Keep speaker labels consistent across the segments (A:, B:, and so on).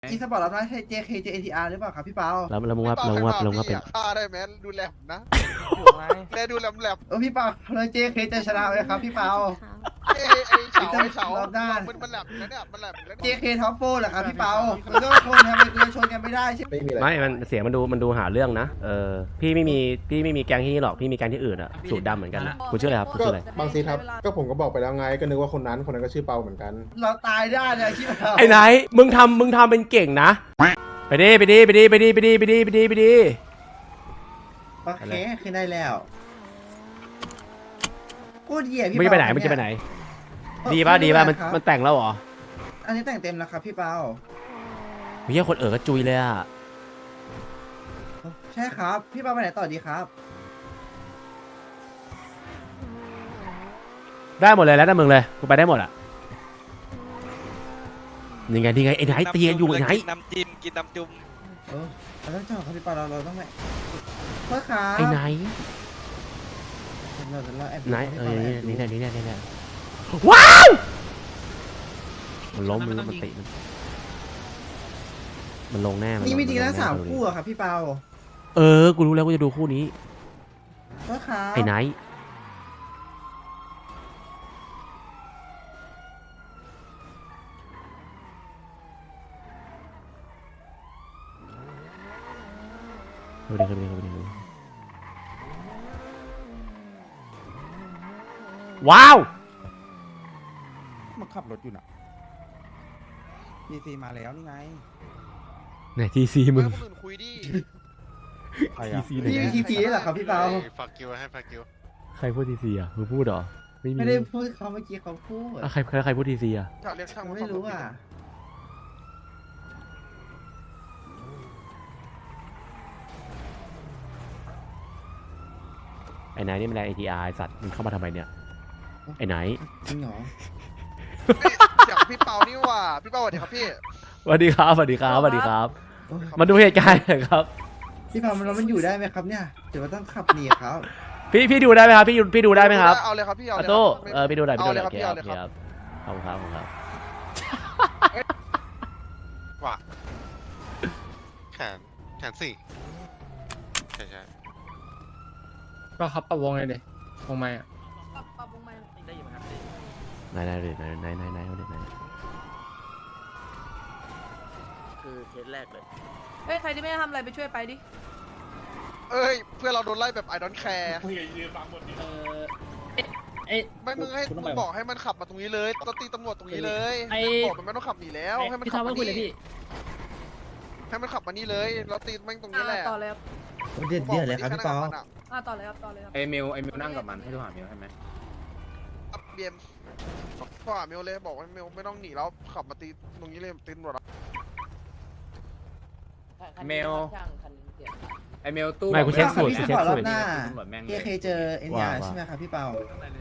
A: อีสปอร์ตรับนะJK JATR หรือเปล่าครับพี่เปา
B: แล้วมึงว่าเป็น
C: ฆ่าได้ไหมดูแลผมนะ
D: ถูกไหม
C: แลดูแหลม
A: พี่เปาเลย JK จะชนะไหมครับพี่เปา
C: ไอ้เฉาร
A: อบหน้า
C: มันแหลมแล้วเนี่ยมันแหลมแล้ว
A: JK ท็อปโฟเหรอครับพี่เปามันก็ชนทำไมจะชนกันไม่ได้ใช่ไหม
B: ไม่มันเสียงมันดูหาเรื่องนะพี่ไม่มีแก๊งที่นี่หรอกพี่มีแก๊งที่อื่นอะสูตรดำเหมือนกันคุณชื่ออะไรครับคุณ
E: ก็
B: ชื่ออะไร
E: บางทีครับก็ผมก็บอกไปแล้วไงก็นึกว่าคนนั้นก็ชื่อเปาเหมือนกัน
A: เราตายได้เลยพี่เปา
B: ไอ้ไหนมึงทำเป็นเก่งนะไปดิ
A: โอเคขึ้นได้แล้วพูดเหยียบพี่
B: มึงจะไปไหนดีป่ะมันแต่งแล้วเหรอ
A: อันนี้แต่งเต็มแล้วครับพี่เปา
B: เฮียคนก็จุยเลยอะ
A: ใช่ครับพี่เปาไปไหนต่อดีครับ
B: ได้หมดเลยแล้วแต่มึงเลยกูไปได้หมดอะยังไงไอ้ไหนเตียอยู่ไอ้ไหน
D: น้ำจิ้มกินน้ำจุ่ม
A: เราต้องจอดครับพี่เปาเราต้องไปเพื่อครับ
B: ไอ้ไหน
A: เราแอบ
B: ไหนนี่ว้าวมันล้มมันติมันลงแน่
A: นี่มีจริงแล้ว3 คู่อะครับพี่เปา
B: กูรู้แล้วกูจะดูคู่นี้
A: เพื่อครับ
B: ไอ้ไหนเข้าไปดิว้าว
F: มาขับรถอยู่น่ะ PC มาแล้วนี่ไง
B: ไหนทีซีมึง
C: คนอื่นคุยดิ
F: ใคร
B: ที
F: อะ
B: ซีไหน
A: พี่มีทีพีเหรอครับพี่เปา
C: ฝากกิวให้ฝากกิว
B: ใครพูดทีซีอ่ะมึงพูดเหรอไม่มี
A: ไม่ได้พูดเขาเมื่อกี้เขาพูด
B: ใครพูดทีซีอ่ะ
C: ถ้าเรียกช่าง
A: ไม่รู้อ่ะ
B: ไอ้ไหนนี่มันแรง ATR ไอ้สัตว์มึงเข้ามาทำไมเนี่ยไอ้ไหน
A: จริงเหรอ
C: เสียงพี่เปานี่ว่าพี่เปาสวัสดีครับพี่
B: สวัสดีครับมาดูเหตุการณ์หน่อยครับ
A: พี่เปามันอยู่ได้ไหมครับเนี่ยเดี๋ยวต้องขับหนีครับ
B: พี่ดูได้ไหมครับพี่ดูได้ไหมครับ
C: เอาเลยครับพี่เอา
B: อา
C: เลย
B: โต้
C: ครับ
B: พี่ดูหน่อย
C: เอาเลย
B: โอ
C: ครับ
B: เค
C: พี่
B: ค
C: เอา
B: รับ
C: เลยครับ
B: ขอบคุณครับ
C: ว่าแขนสี่ใช่
G: ก็ครับปรับวงเลยดิวงไม้อะ
D: ได้ยินไหมครับ
B: ไหน
D: คือเคสแรกเลย
H: เฮ้ย ใครที่ไม่ได้ทำอะไรไปช่วยไปดิ
C: เอ้ยเพื่อนเราโดนไล่แบบไอดอนแคร์ ไม่มึงให้มึงบอกให้มันขับมาตรงนี้เลยตีตำรวจตรงนี้เลยบอกมันไม่ต้องขับหนีแล้วให้มันขับมานี่ให้มันขับมานี่เลยแล้วตีแม่งตรงนี้แหละ
H: ต่อเลยครับ
A: เดือดเลยครับพี่เปา
H: ต่อเลยครับ ต่อเลยครับ
G: ไอเมลนั่งกับมันให้โทรหาเมลใช่ไหม
C: เบียมพ่อเมลเลยบอกว่าเมลไม่ต้องหนีแล้วขับมาตีตรงนี้เลยตีตำรวจ
G: เมลไอเมลตู้
B: ไม่กูเช็คสูตร
A: พี่
B: กู
A: ส
B: เช็
A: ป
B: ค
A: อร์ตร
B: สู
A: อ
B: ตร
A: บหน้า
G: ตำรวจแม่ง
A: JK เจอเอ็นยาใช่ไหมครับพี่เปา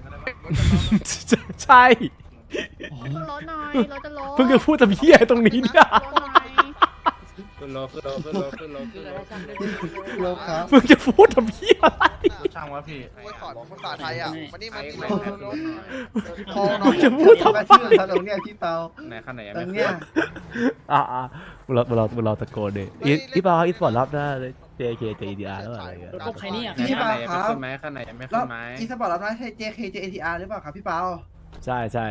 B: ใช่
I: ขึ้นรถหน่อยรถจะล้ม
B: เพิ่งจะพูดแต่เหี้ยตรงนี้เนี่ย
I: รถหน่อย
G: ขึ้นรถ
A: โลครับ
B: เพิ่งจะพูดแต่เหี้ยอะไร
F: ช่างวะพี่
C: กูสอนภาษาไทยอ่ะมานี่มานี่
A: พอน้องจะพูดทำไมชื่อเขาตรงเนี้ยพี่เปา
G: ไหนขั้นไหนยัง
A: ตร
G: ไม่
A: ง
G: ขึ้
A: เนี้ย
G: น
B: เราตะโกนดิอีปออีสปอร์ตรอบหน้า JK JDR แล้วอะไรเงี้ย
H: ใครนี่อ่ะ
A: พี่เปาครับ
G: ขึ้นไหมขั้นไหนยังไม่
A: แล้
G: ขึ้
A: วน
G: ไหม
A: อีสปอร์ตรับหน้าJK JATR หรือเปล่าครับพี่เปา
B: ใช่แหละ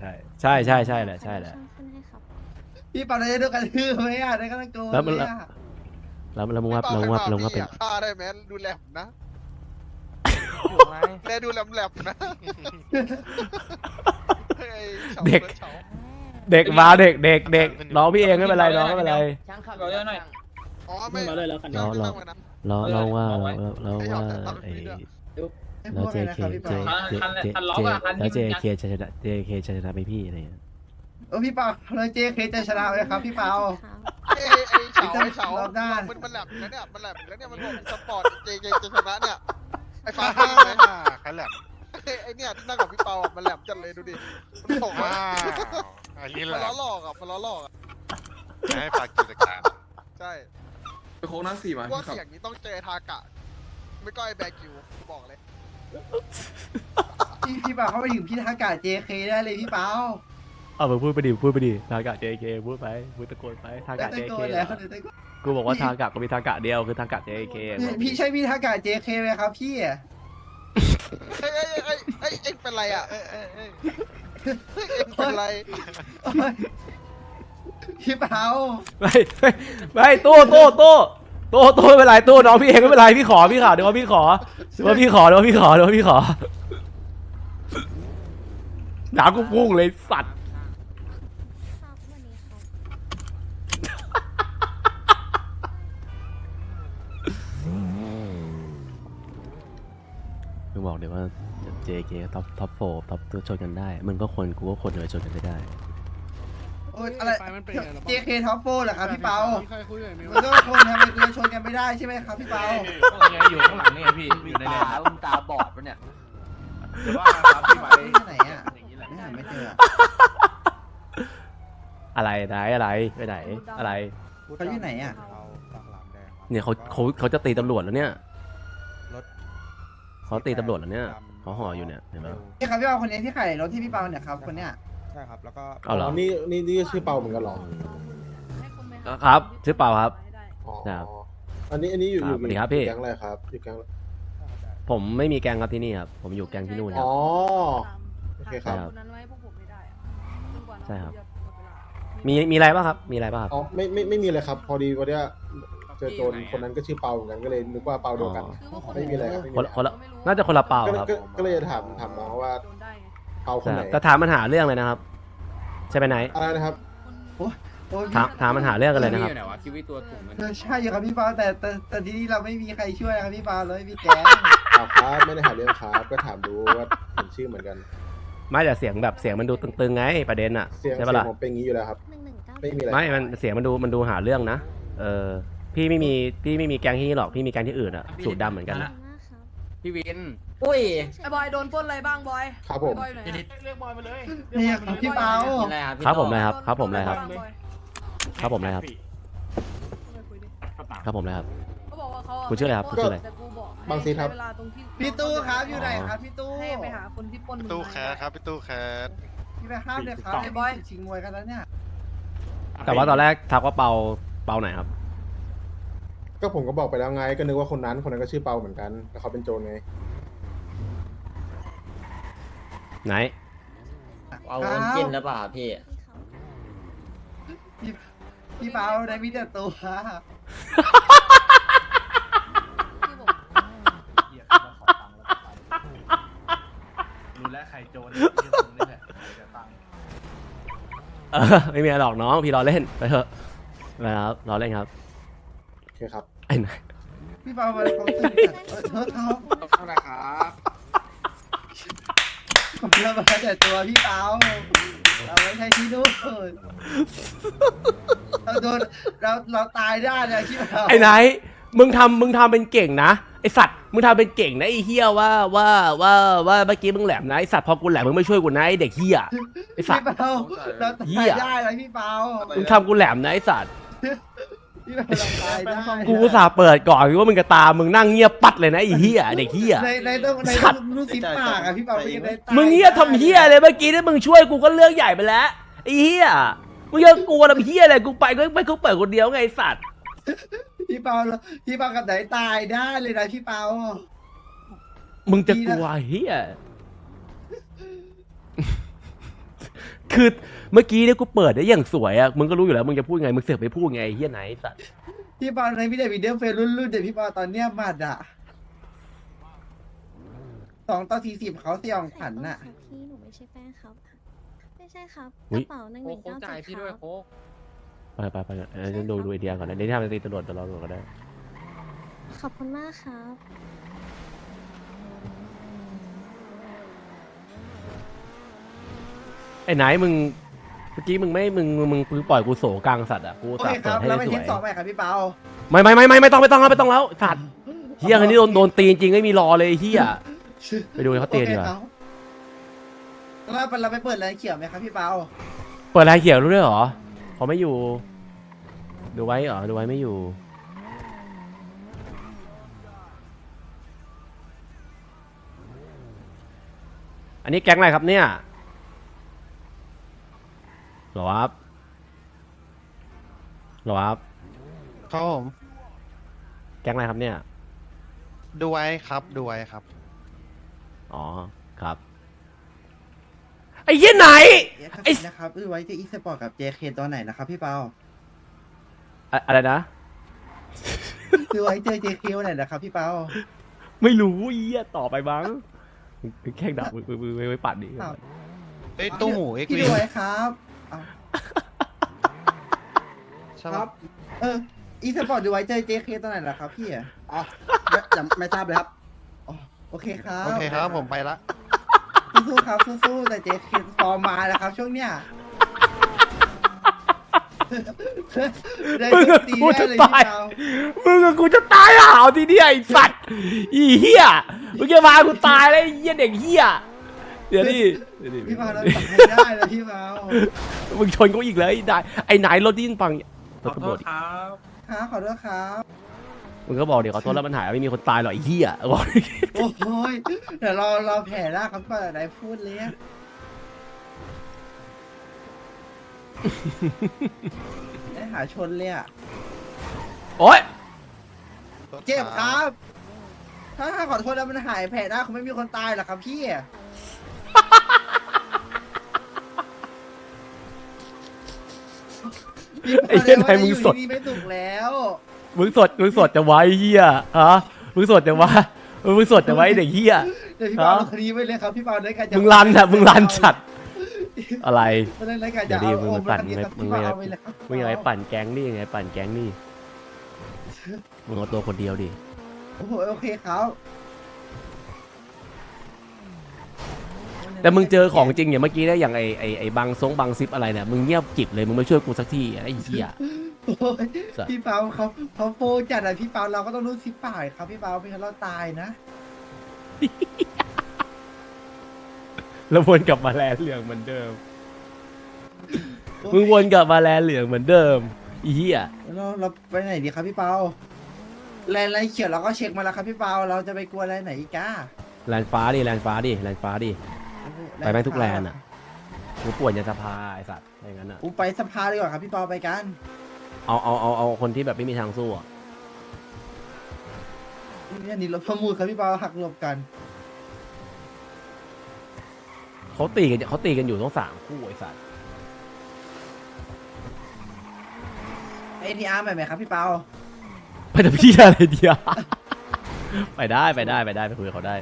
I: ขึ้นให้ครับ
A: พี่เปาได้ด้วยกันชื่อไหมอ่ะได้ก็ต้องโกน
B: แล้วมัน
A: เลยอ่ะ
B: แล้วมึงว่าเป็น
C: ฆ่าได้ไหมดูแลผมนะ
D: ถูกไหม
C: แลดูแหลมนะ
B: เด็กมาเด็กน้องพี่เองไม่เป็นไรน้องไม่เป็นไร
H: ช่างขับรถหน่อย
C: อ๋อไม่
H: มาเลยแล้วกัน
B: เราว่าไอ้ แล้ว JK แล้ว JK จะชนะ JK จะชนะไปพี่อะไรเงี้ย
A: พี่เปาเลย JK จะชนะไหมครับพี่เปา
C: ไอ้เฉามันแหลมแล้วเนี่ยมันแหลมแล้วเนี่ยมันบอกสปอร์ตเจจะชนะเนี่ยไอ้ฟ้าใครแหลมไอ้เนี่ยที่นั่งกับพี่เปามันแหลมจัดเลยดูดิมันบอกว่าอันนี้แหละมันล้อหลอกอ่ะให้ฝากกิจการใช่
F: ไปโค้งนั่ง4มา
C: ว่าเสียงนี้ต้องเจอทากะไม่ก็ไอ้แบกิวบอกเลย
A: พี่เปาเขาไปถึงพี่ทากา JK ได้เลยพี่เปา
B: เอามึงพูดไปดิทากะ JK พูดไปพูดตะโกนไปทากะ JK
A: แล้ว
B: กูบอกว่าทากะก็มีทากะเดียวคือทากะ JK
A: พี่ใช่พี่ทากา JK ไหมครับพี่
C: เอ็งเป็นไรอ่ะเอ็งเป็นไร
A: พี่เปา
B: ไม่ตู้ไม่เป็นไรตู้น้องพี่เองไม่เป็นไรพี่ขอเดี๋ยวว่าพี่ขอหนากูพุ่งเลยสัตว์
I: ครับวันนี้ครับ
B: มึงบอกเดี๋ยวว่า JK ท็อป4ท็อปตัวชนกันได้มึงก็คนกูก็คนเลยชนกันไม่ได้
A: โอ้ยอะไร JK ท็อปโฟเหรอครับพี่เปามันก็คนทำไมกูจะชนกันไม่ได้ใช่ไหมครับพี่เปา
G: อยู่ข้างหลังนี่ไงพี่อยู่ในเนี่ย
D: ตาบอดปะเนี่ย
G: หรือว่าครับพี่ไป
A: ที่ไหนอ่ะไม่หาไม่เจอ
B: อะไรไหนอะไรไปไหนอะไร
A: เขาอยู่ไหนอ่ะ
F: เอาปากหลามแดงครับ
B: เนี่ยเขาจะตีตำรวจแล้วเนี่ย
F: รถ
B: เขาตีตำรวจแล้วเนี่ยเขาห่ออยู่เนี่ยเห็นไหม
A: นี่ครับพี่เปาคนนี้ที่ขายรถที่พี่เปาเนี่ยครับคนเนี้ย
F: ใช่ครับแล้วก็
B: เอาเหรอ
E: นี่ก็ชื่อเปาเหมือนกันเหรอ
B: ครับชื่อเปาครับ
E: อ๋อ
B: ครับ
E: อันนี้อยู่
B: ครับสวัสดีครับพี่
E: แก๊งอะไรครับอยู่แก๊ง
B: ผมไม่มีแกงครับที่นี่ครับผมอยู่แกงที่นู่นครั
E: อ๋
B: บ
E: อ โอเคครับ
H: คนนั้นไว้พวกผมไม่ได้อะจนกว่าน้อง
B: ใช่ครับ
H: จะหมดเวลา
B: มีอะไรบ้างครับมีอะไรบ้างครับ
E: อ๋อไม่มีเลยครับ พอดีวันเนี้ยเจอโจรคนนั้นก็ชื่อเปาเหมือนกันก็เลยนึกว่าเปาเดียวกัน
H: คือว่า
E: ไม่มีอะไรครับไม่มี
B: คน
E: อะไร
B: คนละน่าจะคนละเปาครับ
E: ก็เลยจะถามน้องว่า
H: โดนได้ไง
E: เปาคนไหน
B: แต่ถามมันหาเรื่องเลยนะครับ ใช่ไหมไหน
E: อะไรนะครับ
A: โอ้ย
B: ถามมันหาเรื่องกันเลยนะครับ
G: ไหนวะคิดว่าตัวถุงมัน
A: ใช่อยู่ครับพี่เปาแต่ที่นี่เราไม่มีใครช่วยครับพี่เปาเลยพี่แกง
E: เอาครับไม่ได้หาเรื่องครับก็ถามดูว่าเห็นชื่อเหมือนกัน
B: ไม่แต่เสียงแบบเสียงมันดูตึงๆไงประเด็นอ่ะ
E: เสียง
B: ใช่ปะล่ะ
E: ผมเป็นอย่างนี้อยู่แล้วครับ
I: 1199
E: ไม่มีอะไร
B: ไม่มันเสียงมันดูหาเรื่องนะพี่ไม่มีแกงที่นี่หรอกพี่มีแกงที่อื่นอ่ะสูตรดำเหมือนกันนะ
G: พี่วิน
D: อุ้ย
H: ไอ้บอยโดนปล้นอะไรบ้างบอย
E: ครับผม
H: บอยอยู่ไหนอะ
A: นี่ครับพี่เปา
D: อะไรครับพี่
B: ครับผม
D: ต่อ
B: เลยครับครับผมเลยครับ
H: โดนอะไางอย
B: ครับผมเลยครับ
H: ไปคุยดิ
B: ครับผมเลยครับ
H: เขาบอกว่าเขาอะ
B: คุณชื่ออะไรครับคุณชื่ออะไร
H: แต่กูบอกให้
E: บางซีครับ
H: ใช้เวลาตรงที่
A: พี่ตู้ครับอยู่ไหนครับพี่ตู้
H: ให้ไปหาคนที่ปล้นมึง
C: ตู้
H: มา
C: แคสครับพี่ตู้แคส
A: พี่ไปห้ามเลยครับ
H: ไอ้บอย
A: ชิงมวยกันแล้วเนี่ย
B: แต่ว่าตอนแรกทักว่าเปาไหนครับ
E: ก็ผมก็บอกไปแล้วไงก็นึกว่าคนนั้นก็ชื่อเปาเหมือนกันแต่เขาเป็นโจรไง
B: ไหน
D: เอาเงินกินแล้วเปล่าพี่
A: พี่เปาได้มีแต่ตัว
H: คือบอก
G: รู้แล้วใครโจรนี่แหละจะตัง
B: ไม่มีอะไรหรอกน้องพี่รอเล่นไปเถอะนะครับรอเล่นครับ
E: โอเคครับ
B: ไอ้ไหน
A: พี่เปามาเขาตื่นเธอเขา
G: เท่าไหร่ครับ
A: ผมเรามาแต่ตัวพี่เปาเราไม่ใช่ที่นู่นเราโดนเราตายได้เลยพี่เปา
B: ไอ้ไหนมึงทำเป็นเก่งนะไอสัตว์มึงทำเป็นเก่งนะไอเฮียว่าเมื่อกี้มึงแหลมนะไอสัตว์พอกูแหลมมึงไม่ช่วยกูนะไอเด็กเฮียไอสัต
A: พี่
B: ว์
A: เปาเรา
B: เหี้
A: ตาย
B: ย
A: ได้เลยพี่เปา
B: มึงทำกูแหลมนะไอสัตว์
A: พี่เปาเราตายได้
B: กูอุตสาห์เปิดก่อนว่ามึงกระตามมึงนั่งเงียบปัดเลยนะไอเฮียเด็กเฮีย
A: ในต้องรูซิปปากอะพี่เปาไม่ได้ตาย
B: มึงเฮียทำเฮียเลยเมื่อกี้ที่มึงช่วยกูก็เรื่องใหญ่ไปแล้วไอเฮียมึงยังกลัวทำเฮียอะไรกูไปก็ไม่กูเปิดคนเดียวไงไอสัตว์
A: พี่เปากับไหนตายได้เลยนะพี่เปา
B: มึงจะกลัวเฮียคือเมื่อกี้เนี่ยกูเปิดได้อย่างสวยอ่ะมึงก็รู้อยู่แล้วมึงจะพูดไงมึงเสือกไปพูดไงไอ้เฮียไหนไอ้สัตว์
A: พี่เปาในพี่เดวิดเดอร์เฟรรุ่นเดี๋ยวพี่เปาตอนเนี้ยหมัดอะ2-40เขาเสี่ยงขวัญน่ะ
I: พี่หนูไม่ใช่แป้งครับ ไม่ใช่ครับกระเป๋า
G: โค้ก
I: 1197
G: จ่ายพี่
I: ค
G: ด้วย
I: รับ
G: โค้ก
B: ไปฉันดูไอเดียก่อนนะเดี๋ยวที่ทำจะตีตำรวจก็ได้
I: ขอบคุณมากครับ
B: ไอ้ไหนมึงเมื่อกี้มึงไม่มึงปล่อยกูโศกลางสัตว์อ่ะกู
A: โอ
B: สั
A: เค
B: ตว์
A: ค
B: เปิ
A: รั
B: ด
A: บ
B: ให้
A: แล้ว
B: ได้
A: ไป
B: ส
A: เท
B: ว
A: ส
B: ย
A: สองไปครับพี่เปา
B: ไม่ต้องแล้วสัตว์เฮียคนนี้โดนตีจริงไม่มีรอเลยเฮียไปดูเขาตีดีกว่า
A: แล้วเราไปเปิดอะไรเขียวไหมครับพี่เปา
B: เปิดลายเขียวรู้ด้วยเหรอเขาไม่อยู่ดูไว้เหรอดูไว้ไม่อยู่อันนี้แก๊งอะไรครับเนี่ยหรอครับหรอครับ
C: ครับผม
B: แก๊งอะไรครับเนี่ย
C: ดูไว้ครับดูไว้ครับ
B: อ๋อครับไอ้เหี้ยไหน ไอ้
A: นะครับไว้จะอีสปอร์ตกับ JK ตัวไหนนะครับพี่เปา
B: อะไรนะ
A: คือไว้เจอ JK ตัวไหนนะครับพี่เปา
B: ไม่รู้เหี้ยต่อไปบ้างมึงแข่งดับมือไว้ปัดดิ
A: อ้าว
C: เอ้ยตู้หมูเอ็ก
A: พี่
C: วี
A: ดูไว้ครับอ้าว
C: ใช่
A: ค
C: ปะ
A: รับ อีสปอร์ตดูไว้เจอ JK ตัวไหนล่ะครับพี่อ่ะ
F: อ๋อไม่ทราบเลยครับ
A: อ๋อโอเคครับ
C: โอเคครับผมไปละ
A: สู้ๆครับสู้ๆแต่ JK ฟอร์มมาแล้วครับช่วงเนี้ยได้
B: มึง
A: โจ
B: กับ
A: ตี
B: กู
A: แน่
B: จะ
A: เลย
B: ตาย
A: พี่เปา
B: มึงกับกูจะตายห่าวทีเนี้ยไอ้สัตว์อีเหี้ยมึงจะมากูตายแล้วไอ้เหี้ยเด็กเหี้ยเดี๋ยวดิ
A: พี่เปาเราตัดไม่ได้แล้วพี่เปา
B: มึงชนกูอีกเลยไอ้นายรถที่ฟังรถตำรวจ
A: ครับขอโทษครับ
B: มึงก็บอกเดี๋ยวขอโทษแล้วมันหายไม่มีคนตายหรอกไอ้เหี้ยบอก
A: โอ้ยเดี๋ยวเราแผ่หน้าครับก่อนไหนพูดเลยอะได้หาชนเลยอ่ะ
B: โอ๊ย
A: เจ็บครับ ถ้าขอโทษแล้วมันหายแผ่หน้าคงไม่มีคนตายหรอกครับพี่
B: ไอ้เหี้ยนายมึงสด
A: นี่ไม่ถูกแล้ว
B: มึงสดจะไว้เหี้ยฮะมึงสดจะไว้มึงสดจะไว้เด็กเหี้ย
A: เดี๋ยวพี่เปาลงคดีไว้เลยครับพี่เปาได้การจะ
B: มึงรันอะมึงรันจัดอะไร
A: เรื่องรายการ
B: เดี๋
A: จะ
B: ยวดิ
A: เอา
B: มึง
A: โอ
B: ไป
A: ม
B: ปั่น
A: คดีกับ
B: มึ
A: พี่
B: ง
A: เปา
B: ไป
A: เอาไปเลยครับ
B: มึงยังไงปั่นแก๊งนี่ยังไงปั่นแก๊งนี่มึงเอาตัวคนเดียวดิ
A: โอ้โหโอเคครับ
B: แต่มึงเจอของจริงอย่างเมื่อกี้ได้อย่างไอ้บังซงซิปอะไรเนี่ยมึงเงียบกิบเลยมึงไม่ช่วยกูสักทีไอ้เหี้ย
A: โอ้ย
B: สัตว์
A: พี่เปาเขาโฟจัดอะพี่เปาเราก็ต้องรู้สิป่ายครับพี่เปาไม่งั้นเราตายนะ
B: แล้ววนกลับมาแลนเหลืองเหมือนเดิมมึงวนกลับมาแลนเหลืองเหมือนเดิมไอ้เหี้ย
A: เราไปไหนดีครับพี่เปาแลนไรเขียวเราก็เช็คมาแล้วครับพี่เปาเราจะไปกลัวแลนไหนอีกก้า
B: แลนฟ้าดิไปแม่งทุกแลนอ่ะกูป่วนยันสภาไอ้สัตว์อะไรงั้นอ่ะ
A: อูไปสภาดีกว่าครับพี่เปาไปกัน
B: เอาคนที่แบบไม่มีทางสู้อ่ะ
A: นี่รถประมูลครับพี่เปาหักหลบกัน
B: เขาตีกันอยู่ต้อง3 คู่ไอ้สัตว์
A: NTR ใหม่ไหมครับพี่เปา
B: ไปแต่พี่อะไรเดียว ไปได้ไปคุยกับเขาได้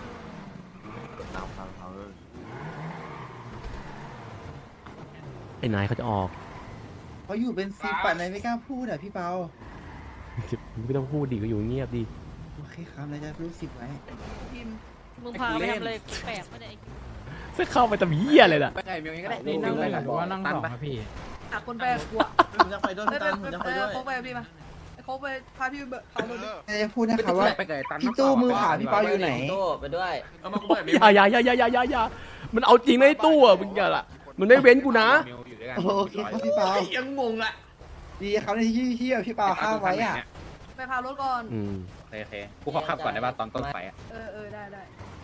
B: ไอ้นายเขาจะออก
A: เขาอยู่เป็นซีปัดไหนไม่กล้าพูดอะพี่เปา
B: ไม่ต้องพูดดิก็อยู่เงียบดิ
A: โอเคครับนายจะรู้สิบไว้
H: พิมพ์มึงพาไปทำอะไรแปลกไม่ได้
B: จะเข้าไปทำเหี้ยอะไรน่ะ
F: ไปไงมีก็ได้
G: นี่นั่งไปหรือว่านั่งสองครับพี่
H: หาคนแปลกกลัว
A: ผมจะไปด้วยพี่ตันผมจะไปด้วย
H: เขาไปพี่มาเขาไปพาพี่ไปเผารถ
A: นายจะพูดนะครับว่า
F: ไปไงตัน
A: พี่ตู้มือขาพี่เปาอยู่ไหน
D: โต้ไปด้วย
B: อย่ามันเอาจริงนะไอ้ตู้อ่ะมึงอย่าละมันไม่เว้นกูนะ
A: โอเคครับพี่เปา
F: ยังงงอ่ะ
A: ดีครับในที่พี่เปาข้ามไว้อะ
H: ไปพารถก่อน
G: โอเคกูขอขับก่อนได้ป่ะตอนต้นไฟอ่ะ
H: ได้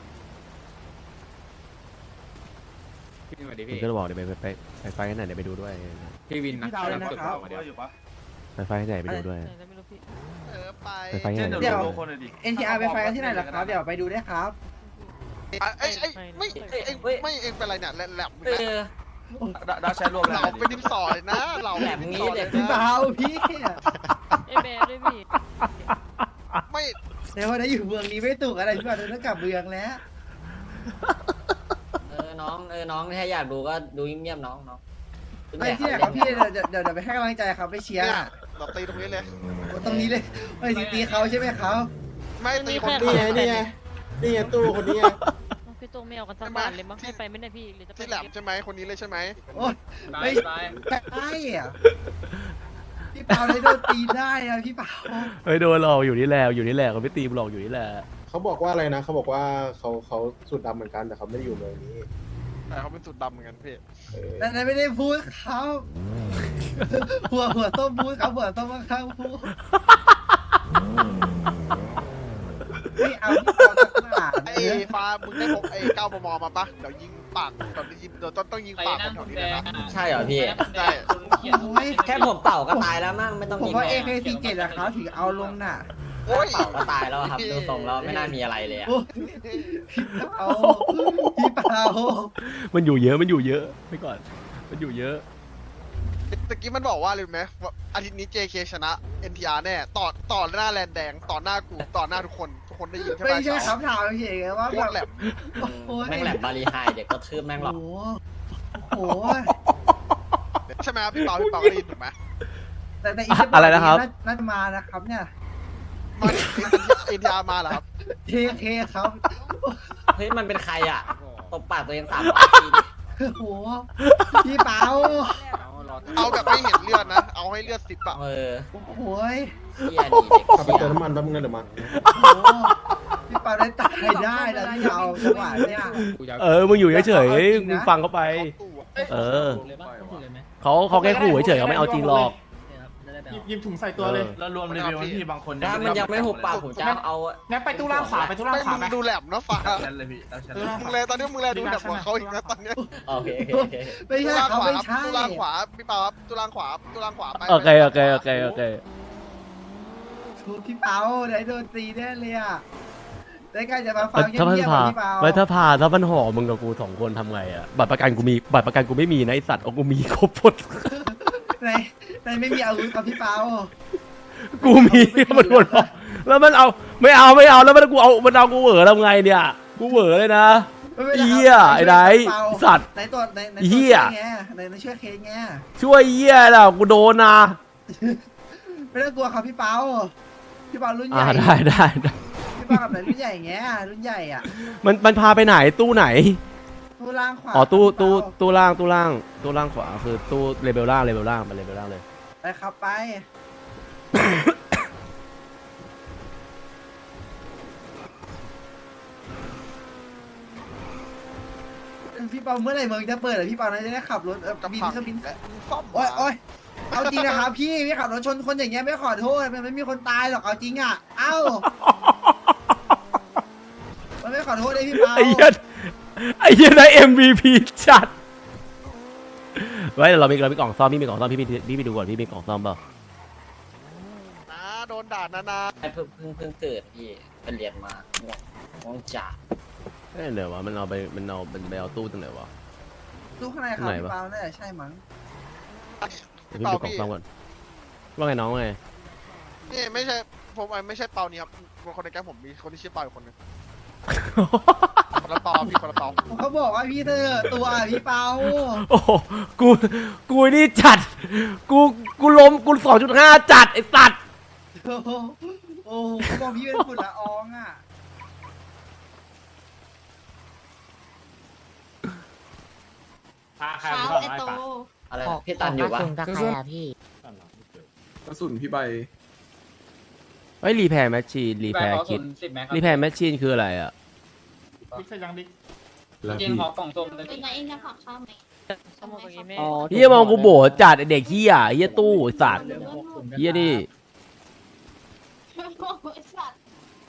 G: พี่มาดิ
B: มึ
G: พี่
B: งก็บอกเดี๋ยวไปไฟกันไหนเดี๋ยวไปดูด้วย
G: พี่วินนะ
A: พี่เปาเลยนะครับ
B: ไปไฟกันไหนไปดูด้วย
H: ไม่รู้พี่
C: ไป
B: ไปไฟกันไหน
A: เดี๋ยว NTR ไปไฟกันที่ไหนล่ะครับเดี๋ยวไปดูได้ครับ
C: ไม่เองเป็นไรเนี่ยแหลม
D: เออ
F: ดาใช้รวม
C: เราเป็นดินสอเลยนะเรา
D: แบบนี้เด็ก
A: พี่เปาพี่
H: ไอ้แบร์ด้วยพี่
C: ไม่
A: แต่ว่าได้อยู่เมืองนี้ไม่ถูกอะไรพี่เปาต้องกลับเมืองแล้ว
D: น้องถ้าอยากดูก็ดูเงียบๆน้อง
A: ไปที่ไหนครับพี่เดี๋ยวไปให้กำลังใจครับไปเชียร์
C: เนี่ยเราตีตรงนี้เลย
A: ตรงนี้เลยไปตีเขาใช่ไหมครับ
C: ไม่ตีคน
E: นี่ไงตู้คนนี้ไง
H: พี่ตัวไม่เอากันทั้งบ้านเลยมั้งให้ไปไม่ได้พี่หรือจะไป
C: ที่แหลมใช่ไหมคนนี้เลยใช่ไหม
A: โอ้ยไม่ใช่อะพี่เปาได้โดนตีได้อะพี่เปา
B: เฮ้ยโดนหลอกอยู่นี่แหละเขาไม่ตีหลอกอยู่นี่แหละ
E: เขาบอกว่าอะไรนะเขาบอกว่าเขาสูตรดำเหมือนกันแต่เขาไม่ได้อยู่เมืองนี้
C: แต่เขาเป็นสุดดำเหมือนกันพี่
A: นั่นไม่ได้พูดครับหัวต้มพูดครับหัวต้มข้างพูดไม่เอาพี่เปาสักหนาด
C: ไอ้ฟ้ามึงได้พกไอ้9 มมมาปะเดี๋ยวยิงปากแบบยิงเดี๋ยวต้องยิงปากคนแถวนี้เลยนะ
D: ใช่เหรอพี่
C: ใช่
A: โอ้ย
D: แค่ผมเป่าก็ตายแล้วมั่งไม่ต้อง
A: ผม
D: ยิง
A: ว่า
D: หรอก
A: AK47 อะครับถึงเอาลงน่ะ
C: โอ้ย
D: เป่าก็ตายแล้วครับดูทรงแล้วไม่น่ามีอะไรเลยอะ
A: โอ้ยเอาพี่เปา
B: มันอยู่เยอะมันอยู่เยอะไปก่อนมันอยู่เยอะ
C: ตะกี้มันบอกว่าเลยไหมว่าอาทิตย์นี้ JK ชนะ NTR แน่ต่อหน้าแลนแดงต่อหน้ากูต่อหน้าทุกคนได้ยินใช่ไหม
A: ไม่ใช่ครับถามเฉยๆว่า
C: โค
A: แบ
C: ต
A: บ
C: รแหลม
A: โอ้ย
D: แม่งแหลมบาลีไฮเด็กก็ทืบแม่งหรอก
A: โอ้โห
C: ใช่ไหมครับพี่เปาได้ยินถูกไหม
A: แต่อีกจะบก
B: อะไรนะครับ
A: น่าจะมานะครับเนี่ย
C: มาNTR มาเหรอครับ
A: JK ครับ
D: เฮ้ยมันเป็นใครอ่ะตบปากตัวเอง300ที
A: โอ้โหพี่เปา
C: เอาแบบไม่เห็นเลือดนะเอาให้เลือด10อะ
D: เออ
A: โอ้โหย
D: เฮียดีเด็ก
E: ขับไป
D: เฮี
E: เติ
D: ย
E: มน้ำมันแป๊บนึงนะเดี๋ยวมา
A: โอ้โหพี่เปาได้ตายได้นะพี่เปาจังหวะเนี่ย
B: มึงอยู่เฉยๆมึงฟังเขาไป
C: เข้าตู้อะ
B: เออเขาแค่ขู่เฉยๆเขาไม่เอาจริงหรอก
G: ยิบถุงใส่ตัวเลย
C: แล้วรวมรีวิวพี่บางคน
D: ถ้ามันยังไม่หุบปากผมจะเอา
G: งั้นไปตู้ล่างขวาไปตู้ล่าง
C: ไม่
G: ขวา
C: มึ
G: ไหม
C: งดูแหลมเนาะฟ้ามึงเลยตอนนี้มึงเลยดูแหลมกว่าเขาอีกนะตอนเนี้ย
D: โอเค
A: ไม่ใช่เขาไม่ใช่
C: ตุลางขวาพี่เปาครับตุลางขวาไป
B: โอเคโอเค
A: ถูกพี่เปาได้โดนตีแน่เลยอ่ะได้ใกล้จะมาฟังเงี
B: ถ้ามัน
A: ยบ
B: พา
A: ๆพี่เปา
B: ไม่ถ้ามันห่อมึงกับกู2 คนทำไงอ่ะบัตรประกันกูไม่มีนะไอสัตว์เอากูมีครบหมด
A: ในไม่มีอาวุธครับพี่เปา
B: กูมีมันหมดแล้วมันเอาไม่เอาแล้วมันเอากูเหวอทำไงเนี่ยกูเหวอเลยนะ
A: ไม่เป็นไรครับ
B: เหี้ยไอ้ไหน
A: พี่เปา
B: สัตว์
A: ในตัวใน
B: เหี้ย
A: ในเชื่อเคสไง
B: ช่วยเหี้ยแล้วกูโดนนะ
A: ไม่ต้องกลัวครับพี่เปาพี่เปารุ่นใหญ่
B: ได้
A: พี่เปากับไหนรุ่นใหญ่ไงรุ่นใหญ่อ่ะ
B: มันพาไปไหนตู้ไหน
A: ตู้ล่างขวา
B: อ๋อตู้
A: ครับพี่เปา
B: ตู้ล่างขวาคือตู้เลเวลล่างไปเลเวลล่างเลย
A: ไปครับไปพี่เปาเมื่อไหร่เมืองจะเปิดอะพี่เปาน่าจะได้ขับรถ
C: กับ
A: บิน
C: ผัก
A: เครื่องบิน
C: และซ่อม
A: โอ๊ยเอาจริงนะครับพี่ขับรถชนคนอย่างเงี้ยไม่ขอโทษมันไม่มีคนตายหรอกเอาจริงอ่ะเอ้ามันไม่ขอโทษเลยพี่เปา
B: ไอ้เหี้ยได้ MVP จัดไว้เดี๋ยวเรามีกล่องซ่อมพี่มีกล่องซ่อมพี่ไปดูก่อนพี่มีกล่องซ่อมเปล่า
C: นะโดนด่านา
D: เพิ่งเกิดพี่เป็นเรียนมาง่วงจ่า
B: เดี๋ยววะมันไปเอาตู้ตรงไหนวะ
A: ตู้ข้างในครับ
B: ไหน
A: พี่
B: วะ
A: เปาน่าจะใช่มั้ง
B: เดี๋ยวพี่ดูกล่องซ่อมก่อนว่าไงน้องไง
C: นี่ไม่ใช่ผมไม่ใช่เปานี่ครับคนในแก๊งผมมีคนที่ชื่อเปาอีกคนนึงคนละเปาพี่คนละเปา
A: เขาบอกว่าพี่เธอตัวพี่เปา
B: โอ้โหกูนี่จัดกูล้มกู2.5จัดไอ้สัตว์
A: โอ้โหเขาบอกพี่เป็นฝุ่นละอองอ่ะ
I: เช้าไอโต
D: อะไรพี่ตันอยู่วะ
F: กระสุนพี่ใบ
B: ไอ้รีแพร์แมชชีนรีแพร์คิดรีแพร์แมชชีนคืออะไรอ่ะ
G: บิ๊กใส่ยังบิ๊ก
E: แล้ว
G: จริ
E: พี่
G: งขอกล่องส้มเลย
I: เป็นไงเองจะผักข้าวไหม
H: สมองตรงนี้แม่
B: เฮียมองกูโบจัดไอ้เด็กเฮียเฮียตู้ไอ้สัตว์เฮียนี่
I: สัตว์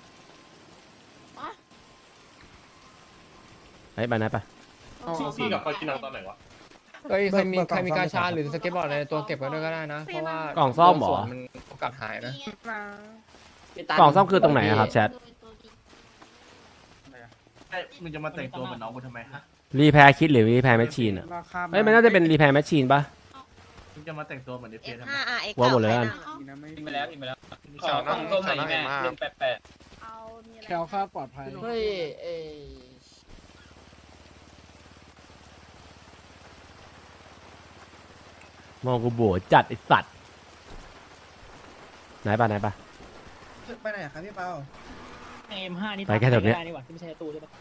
B: ไปนะไป
G: ซีกับคอยกินเอาตอนไหนวะเฮ้ยใครมีกาชาหรือสเก็ตบอร์ดในตัวเก็บไว้ด้วยก็ได้นะ เพราะว่าก
B: ล่องซ่อมเหรอ
G: มันโอกาสหายนะ
D: พี่ตัน
B: กล่องซ่อมคือตรงไหนอะครับแชท
G: มึงจะมาแต่งตัวเหมือนน้องกูทำไมฮะ
B: รีแพร์คิดหรือรีแพร์แมชชีนอ่ะเอ้ยมันน่าจะเป็นรีแพร์แมชชีนปะ
G: มึงจะมาแต่งตัวเหมือนเดฟเฟนทำไม
B: ว่าหมดเลยกัน
G: กินไปแล้วขอกล่องส้มหน่อยแม่เล่นแปะ
H: เอามีอะไร
A: แคลคลาดปลอดภัย
D: เฮ้ย
B: มองกูโบจัดไอ้สัตว์ไหนปะ
A: ไปไหนครับพี่เปา
H: M5 นี่
B: ไปแค่แถวเนี้ย
H: นี่หว่าที่ไม่ใช่ตู้ใช่ปะ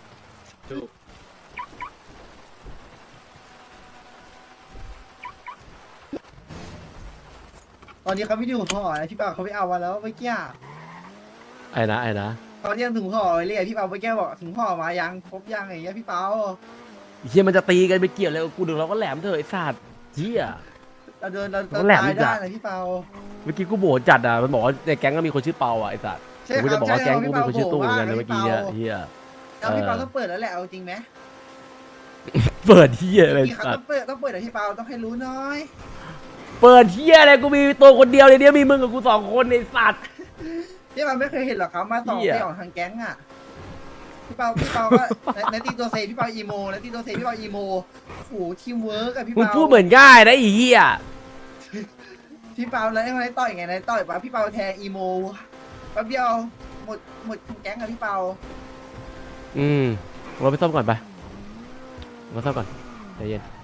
A: ตอนนี้เขาไม่ดูถุงห่อนะพี่เปาเขาไม่เอามาแล้วเมื่อกี้
B: ไอ้นะ
A: เขาเรียกถุงห่อไว้เลยพี่เปาเมื่อกี้บอกถุงห่อมายังครบยังอย่างเงี้ยพี่เปา
B: เฮียมันจะตีกันไปเกี่ยวเลยกูดึงเราก็แหลมเถอะไอ้สัตว์เฮีย
A: เรา
B: แหลม
A: ตาย
B: จั
A: ได้
B: ด
A: นะพี่เปา
B: เมื่อกี้กูโบจัดอ่ะมันบอกว่าในแก๊งก็มีคนชื่อเปาอ่ะไอ้สัตว์กูจะบอกว่าแก๊งกูมีคนชื่อตู้เหมือนกันนะเมื่อกี้เนี่ยเฮีย
A: แล้วพี่เปาต้องเปิดแล้วแหละเอาจริงไหม
B: เปิดเฮียอะไร
A: พี่เขา
B: สัต
A: ต้อง
B: ว์
A: เปิดอะพี่เปาต้องให้รู้น้อย
B: เปิดเฮียอะไรกูมีตัวคนเดียวในเนี้ยมีมึงกับกู2 คนในสัตว์
A: พี่เปาไม่เคยเห็นหรอกครับมาต่อ
B: เหี้ย
A: ไปออกทางแก๊งอ่ะพี่เปาก็ในตีตัวเซพี่เปาอีโมในตีตัวเซพี่เปาอีโมโอ้โหทีมเวิร์กอะพี่
B: มึง
A: เปา
B: พูดเหมือนง่ายนะไอ้เฮีย
A: พี่เปาแล้วไอ้ต่อยไงในต่อยปะพี่เปาแทงอีโมแป๊บเดียวหมดแก๊งอะพี่เปา
B: เราไปซ่อมก่อนไปมาซ่อมก่อนใจเย็น